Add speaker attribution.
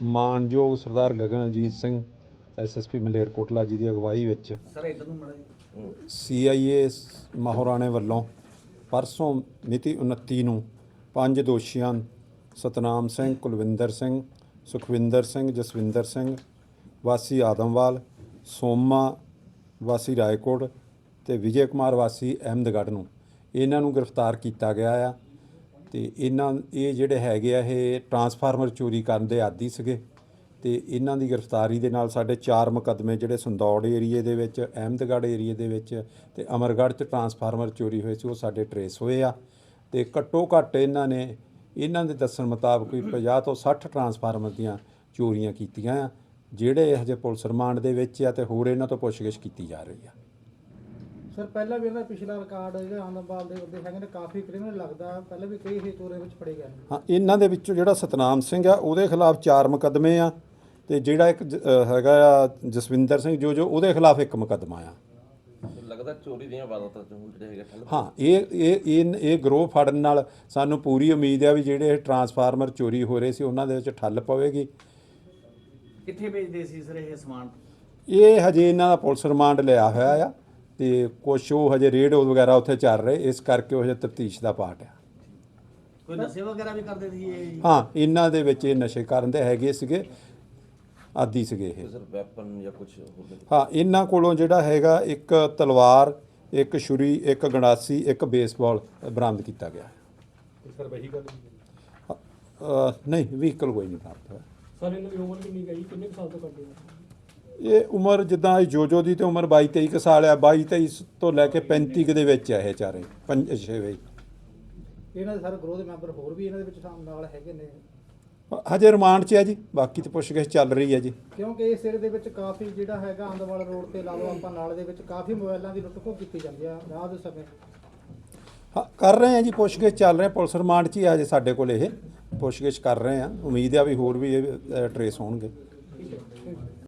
Speaker 1: ਮਾਨਯੋਗ ਸਰਦਾਰ ਗਗਨਜੀਤ ਸਿੰਘ SSP ਮਲੇਰਕੋਟਲਾ ਜੀ ਦੀ ਅਗਵਾਈ ਵਿੱਚ CIA ਮਹਾਰਾਣੇ ਵੱਲੋਂ ਪਰਸੋਂ ਮਿਤੀ 29 ਨੂੰ 5 ਦੋਸ਼ੀਆਂ ਸਤਨਾਮ ਸਿੰਘ, ਕੁਲਵਿੰਦਰ ਸਿੰਘ, ਸੁਖਵਿੰਦਰ ਸਿੰਘ, ਜਸਵਿੰਦਰ ਸਿੰਘ ਵਾਸੀ ਆਦਮਵਾਲ, ਸੋਮਾ ਵਾਸੀ ਰਾਏਕੋਟ ਅਤੇ ਵਿਜੇ ਕੁਮਾਰ ਵਾਸੀ ਅਹਿਮਦਗੜ੍ਹ ਨੂੰ ਇਹਨਾਂ ਨੂੰ ਗ੍ਰਿਫਤਾਰ ਕੀਤਾ ਗਿਆ ਆ। ਅਤੇ ਇਹ ਜਿਹੜੇ ਹੈਗੇ ਆ ਇਹ ਟਰਾਂਸਫਾਰਮਰ ਚੋਰੀ ਕਰਨ ਦੇ ਆਦੀ ਸੀਗੇ ਅਤੇ ਇਹਨਾਂ ਦੀ ਗ੍ਰਿਫਤਾਰੀ ਦੇ ਨਾਲ ਸਾਡੇ 4 ਮੁਕੱਦਮੇ ਜਿਹੜੇ ਸੰਦੌੜ ਏਰੀਏ ਦੇ ਵਿੱਚ, ਅਹਿਮਦਗੜ੍ਹ ਏਰੀਏ ਦੇ ਵਿੱਚ ਅਤੇ ਅਮਰਗੜ੍ਹ 'ਚ ਟਰਾਂਸਫਾਰਮਰ ਚੋਰੀ ਹੋਏ ਸੀ ਉਹ ਸਾਡੇ ਟਰੇਸ ਹੋਏ ਆ। ਅਤੇ ਘੱਟੋ ਘੱਟ ਇਹਨਾਂ ਦੇ ਦੱਸਣ ਮੁਤਾਬਕ ਵੀ 50 ਤੋਂ 60 ਟਰਾਂਸਫਾਰਮਰ ਦੀਆਂ ਚੋਰੀਆਂ ਕੀਤੀਆਂ ਆ, ਜਿਹੜੇ ਹਜੇ ਪੁਲਿਸ ਰਿਮਾਂਡ ਦੇ ਵਿੱਚ ਆ ਅਤੇ ਹੋਰ ਇਹਨਾਂ ਤੋਂ ਪੁੱਛਗਿੱਛ ਕੀਤੀ ਜਾ ਰਹੀ ਆ।
Speaker 2: ਸਰ ਪਹਿਲਾਂ ਵੀ ਇਹਦਾ ਪਿਛਲਾ ਰਿਕਾਰਡ ਜਿਹੜਾ ਆਨੰਦਪਾਲ ਦੇ ਬੰਦੇ ਹੈਗੇ ਨੇ ਕਾਫੀ ਕ੍ਰਿਮੀਨਲ ਲੱਗਦਾ, ਪਹਿਲਾਂ ਵੀ ਕਈ ਇਹ ਚੋਰੀਆਂ ਵਿੱਚ ਫੜੇ ਗਏ ਨੇ।
Speaker 1: ਹਾਂ, ਇਹਨਾਂ ਦੇ ਵਿੱਚੋਂ ਜਿਹੜਾ ਸਤਨਾਮ ਸਿੰਘ ਆ ਉਹਦੇ ਖਿਲਾਫ 4 ਮੁਕੱਦਮੇ ਆ ਅਤੇ ਜਿਹੜਾ ਇੱਕ ਹੈਗਾ ਆ ਜਸਵਿੰਦਰ ਸਿੰਘ ਜੋ ਉਹਦੇ ਖਿਲਾਫ 1 ਮੁਕੱਦਮਾ ਆ।
Speaker 3: ਲੱਗਦਾ ਚੋਰੀ ਦੀਆਂ ਵਾਰਦਾਤਾਂ ਜਿਹੜੇ ਹੈਗੇ
Speaker 1: ਹਾਂ, ਇਹ ਗਰੋਹ ਫੜਨ ਨਾਲ ਸਾਨੂੰ ਪੂਰੀ ਉਮੀਦ ਆ ਵੀ ਜਿਹੜੇ ਟਰਾਂਸਫਾਰਮਰ ਚੋਰੀ ਹੋ ਰਹੇ ਸੀ ਉਹਨਾਂ ਦੇ ਵਿੱਚ ਠੱਲ ਪਵੇਗੀ।
Speaker 4: ਕਿੱਥੇ ਭੇਜਦੇ ਸੀ ਸਰ ਇਹ ਸਮਾਨ?
Speaker 1: ਇਹ ਹਜੇ ਇਹਨਾਂ ਦਾ ਪੁਲਿਸ ਰਿਮਾਂਡ ਲਿਆ ਹੋਇਆ ਆ ਅਤੇ ਕੁਛ ਉਹ ਹਜੇ ਰੇਡ ਵਗੈਰਾ ਉੱਥੇ ਚੱਲ ਰਹੇ, ਇਸ ਕਰਕੇ ਉਹ ਹਜੇ ਤਫਤੀਸ਼ ਦਾ ਪਾਰਟ ਆ।
Speaker 4: ਕੋਈ ਨਸ਼ੇ ਵਗੈਰਾ ਵੀ ਕਰਦੇ ਸੀ ਇਹ?
Speaker 1: ਹਾਂ, ਇਹਨਾਂ ਦੇ ਵਿੱਚ ਇਹ ਨਸ਼ੇ ਕਰਨ ਦੇ ਹੈਗੇ ਸੀਗੇ, ਆਦੀ ਸੀਗੇ ਇਹ।
Speaker 3: ਸਰ ਵੈਪਨ ਜਾਂ ਕੁਝ ਹੋਰ?
Speaker 1: ਹਾਂ, ਇਹਨਾਂ ਕੋਲੋਂ ਜਿਹੜਾ ਹੈਗਾ 1 ਤਲਵਾਰ, 1 ਛੁਰੀ, 1 ਗੰਡਾਸੀ, 1 ਬੇਸਬਾਲ ਬਰਾਮਦ ਕੀਤਾ ਗਿਆ।
Speaker 5: ਸਰ ਵਹੀਕਲ
Speaker 1: ਨਹੀਂ, ਵਹੀਕਲ ਕੋਈ ਨਹੀਂ ਬਰਾਮਦ ਹੋਇਆ।
Speaker 5: ਸਰ ਇਹਨਾਂ ਦੀ ਉਮਰ ਕਿੰਨੀ ਗਈ, ਕਿੰਨੇ ਸਾਲ ਤੋਂ ਕਰਦੇ ਹੋ?
Speaker 1: ਇਹ ਉਮਰ ਜਿੱਦਾਂ ਜੋ ਦੀ ਤੇ ਉਮਰ 22-23 ਕੁ ਸਾਲ ਆ, 22-23 ਤੋਂ ਲੈ ਕੇ 35 ਕੁ ਦੇ ਵਿੱਚ ਆ ਇਹ ਚਾਰੇ 5-6 ਵੇ।
Speaker 2: ਇਹਨਾਂ ਦੇ ਸਾਰੇ ਗਰੋਹ ਦੇ ਮੈਂਬਰ ਹੋਰ ਵੀ ਇਹਨਾਂ ਦੇ ਵਿੱਚ ਨਾਲ ਹੈਗੇ ਨੇ?
Speaker 1: ਹਜੇ ਰਿਮਾਂਡ 'ਚ ਹੈ ਜੀ, ਬਾਕੀ ਤਾਂ ਪੁੱਛਗਿੱਛ ਚੱਲ ਰਹੀ ਹੈ ਜੀ।
Speaker 2: ਕਿਉਂਕਿ ਇਸ ਏਰੀਏ ਦੇ ਵਿੱਚ ਕਾਫੀ ਜਿਹੜਾ ਹੈਗਾ ਆਨੰਦਵਾਲ ਰੋਡ ਤੇ ਲਾ ਲਓ ਆਪਾਂ ਨਾਲ ਦੇ ਵਿੱਚ ਕਾਫੀ ਮੋਬਾਈਲਾਂ ਦੀ ਲੁੱਟ ਖੋਹ ਕੀਤੀ ਜਾਂਦੀ ਆ ਰਾਤ ਦੇ ਸਮੇਂ।
Speaker 1: ਹਾਂ, ਕਰ ਰਹੇ ਆ ਜੀ, ਪੁੱਛਗਿੱਛ ਚੱਲ ਰਹੇ, ਪੁਲਿਸ ਰਿਮਾਂਡ 'ਚ ਹੀ ਆ ਹਜੇ ਸਾਡੇ ਕੋਲ ਇਹ ਪੁੱਛਗਿੱਛ ਕਰ ਰਹੇ ਆ। ਉਮੀਦ ਆ ਵੀ ਹੋਰ ਵੀ ਇਹ ਟਰੇਸ ਹੋਣਗੇ।